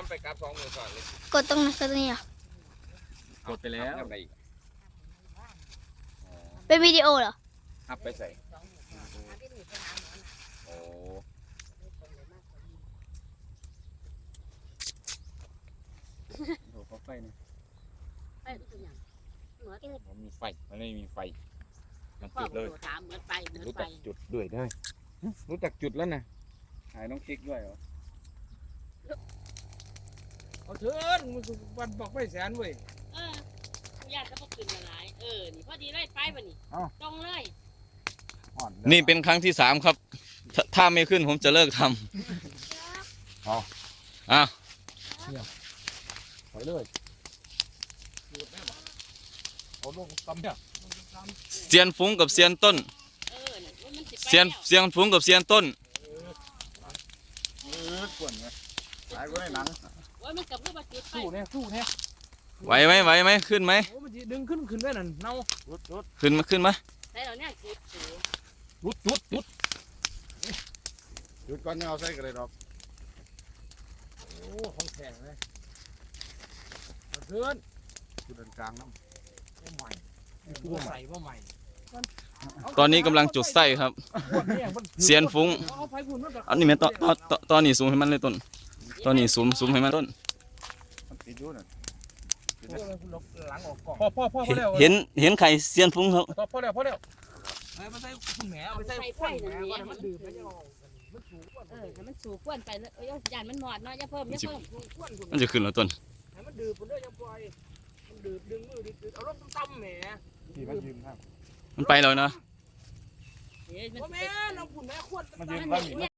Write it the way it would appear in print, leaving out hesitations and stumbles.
มันไปกราฟ2 มือก่อนเลยกดตรงไหนกดตรงนี้เหรอกดไปแล้วทำอะไรอีกเป็นวิดีโอเหรออัพไปใส่โอ้โหเขาไฟนะมันมีไฟมันไม่มีไฟมันจุดเลยถามเหมือนไปเหมือนรู้ไปจักจุดด้วยได้รู้จักจุดแล้วนะถ่ายน้องคลิกด้วยเหรอเอาเถินวันบอกไม่แสนเว้ยญาติก็พวกขึ้นมาหลายนี่พอดีเลยไปบ่นี่ตรงเลยนี่เป็นครั้งที่3ครับถ้าไม่ขึ้นผมจะเลิกทำอ้าวไปเลยเอาลงกำเนี่ยเซียนฟุ้งกับเซียนต้นมันสิไปเซียนฟุ้งกับเซียนต้นกวนไงถ่ายไว้หนังโอ้ยมันกับเพื่อมาจุดไปสู้เนี่ยสู้เนี่ยไหวไหมขึ้นไหมโอ้มันจะดึงขึ้นได้นั่นเน่าขึ้นมาใส่เราเนี่ยจุดจุดหยุดก่อนยังเอาใส่กันเลยดอกโอ้ของแข็งเลยเอาเถินจุดกลางน้ำว่าใหม่ว่าใส่ว่าใหม่ตอนนี้กำลังจุดไส้ครับเซียนฟุ้งเอาไปคุณมันแบบอันนี้แม่ตอนนี้ซูมให้มันเลยต้นตอนนี้ซูมให้มันต้นมันติดอยู่น่ะหลังออกกล่องพ่อแล้วเห็นไข่เซียนฟุ้งครับพ่อแล้วเอาไปใส่คุณแหมเอาไปใส่ข้นแหมก่อนมันดื่มไม่ยอมมันสูงกว่าให้มันสู่ก้วนไปเลยยานมันหมอดเนาะอย่าเพิ่มมันจะขึ้นแล้วต้นให้มันดื่มคนเดียวยังปล่อยมันดื่มดึงมือดึงเอารถตั้มแหมที่มันยืนครับมันไปแล้วนะเฮ้ยมันแม่น้องคุณแม่ขวดมันยืนบ้าน